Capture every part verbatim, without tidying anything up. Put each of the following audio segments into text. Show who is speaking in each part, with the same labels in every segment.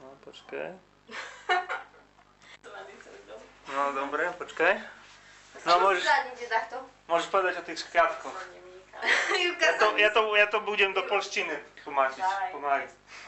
Speaker 1: No, počkaj.
Speaker 2: To ma nechce robiť.
Speaker 1: No dobre, počkaj. No môžeš, môžeš povedať o tých škriatkoch. Ja to, ja, to, ja to budem do polštiny tlmačiť, pomaly.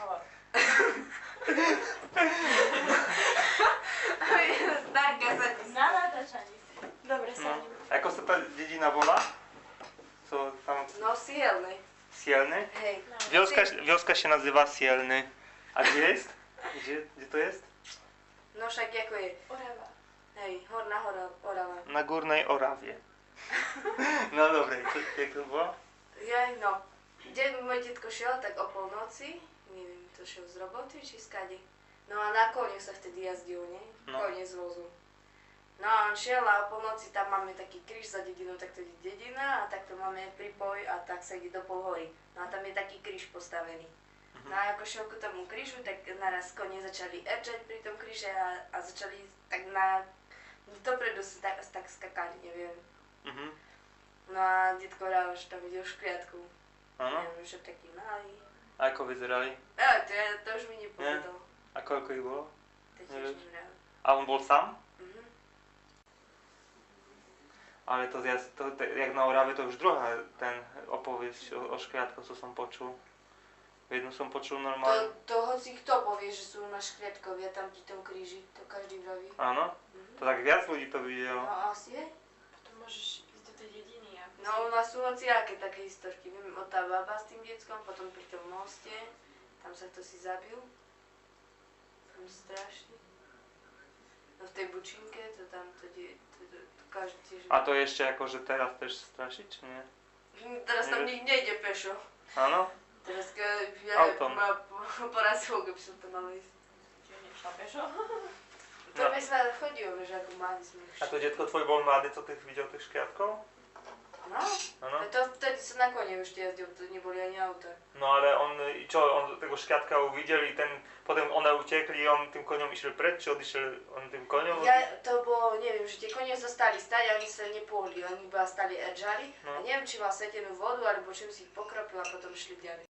Speaker 2: Na natáčaní. Dobre,
Speaker 1: No.
Speaker 2: sadím.
Speaker 1: Ako sa tá dedina volá? Co tam?
Speaker 3: No Sielny.
Speaker 1: Sielny?
Speaker 3: Hej.
Speaker 1: Wioska, wioska się nazywa Sielny. A gdzie jest? Gdzie, gdzie to jest?
Speaker 3: No však ako je.
Speaker 2: Orava.
Speaker 3: Hej, Horná hora, Orava.
Speaker 1: Na Górnej Orawie. No dobre, co, jak to było?
Speaker 3: Jej, no. Kde môj detko šiel, tak o polnoci, neviem, to šiel z roboty, či skade. No a na kone sa vtedy jazdil, nie?
Speaker 1: No.
Speaker 3: Kone z vozu. No a on šiel a o polnoci tam máme taký kríž za dedinou, tak to je dedina a takto máme prípoj a tak sa ide do Polhory. No a tam je taký kríž postavený. No a ako šiel ku tomu krížu, tak naraz kone začali erčať pri tom kríže a, a začali tak na... Dopredu sa tak, tak skakali, neviem.
Speaker 1: Mhm.
Speaker 3: No a detko hral, že tam videl škriatku.
Speaker 1: Áno.
Speaker 3: Neviem, že taký malý.
Speaker 1: A ako vyzerali?
Speaker 3: Ja, to, ja, to už mi nepovedal.
Speaker 1: A koľko ich bolo?
Speaker 3: To tiež neviem.
Speaker 1: A on bol sám?
Speaker 3: Mhm.
Speaker 1: Ale to, ja, to, to jak na Orave, to už druhá ten opowieść o, o škriatkoch, co som počul. Jednu som počul
Speaker 3: To,
Speaker 1: normálne.
Speaker 3: to hoci kto povie, že sú na škriatkovia tam pri tom kríži, to každý vraví.
Speaker 1: Áno?
Speaker 3: Mhm.
Speaker 1: To tak viac ľudí to videlo.
Speaker 3: No asi je.
Speaker 2: Potom môžeš ísť do tej dediny a...
Speaker 3: No u nás sú hociaké také historky. Viem, o tá baba s tým deckom, potom pri tom moste, tam sa kto si zabil. Tam strašný. No v tej bučinke, to tam, to, die, to, to, to každý tiež...
Speaker 1: A to ešte akože teraz tež strašiť, či nie?
Speaker 3: Teraz tam nikto nejde pešo.
Speaker 1: Áno?
Speaker 3: Teraz keď ja
Speaker 1: Autom.
Speaker 3: ma porazilo, keby som to mala ísť.
Speaker 2: Čiže nešla pešo.
Speaker 3: To
Speaker 1: No.
Speaker 3: my sme chodili, že ako mladí sme
Speaker 1: A to detko tvoj bol mladý, co ty videl tých škriatkov?
Speaker 3: No,
Speaker 1: Áno?
Speaker 3: to vtedy sa na kone už jazdil, to neboli ani auta.
Speaker 1: No ale on, čo, on tego škriatka uvidel i ten, potem one utekli i on tým koňom išiel preč, či odišiel on tým koňom?
Speaker 3: Ja, to bolo, neviem, že tie kone zostali stať a oni sa nepohli, oni iba stali edžali
Speaker 1: No.
Speaker 3: a neviem, či mal svetenú vodu, alebo čím si ich pokropil a potom šli ďalej.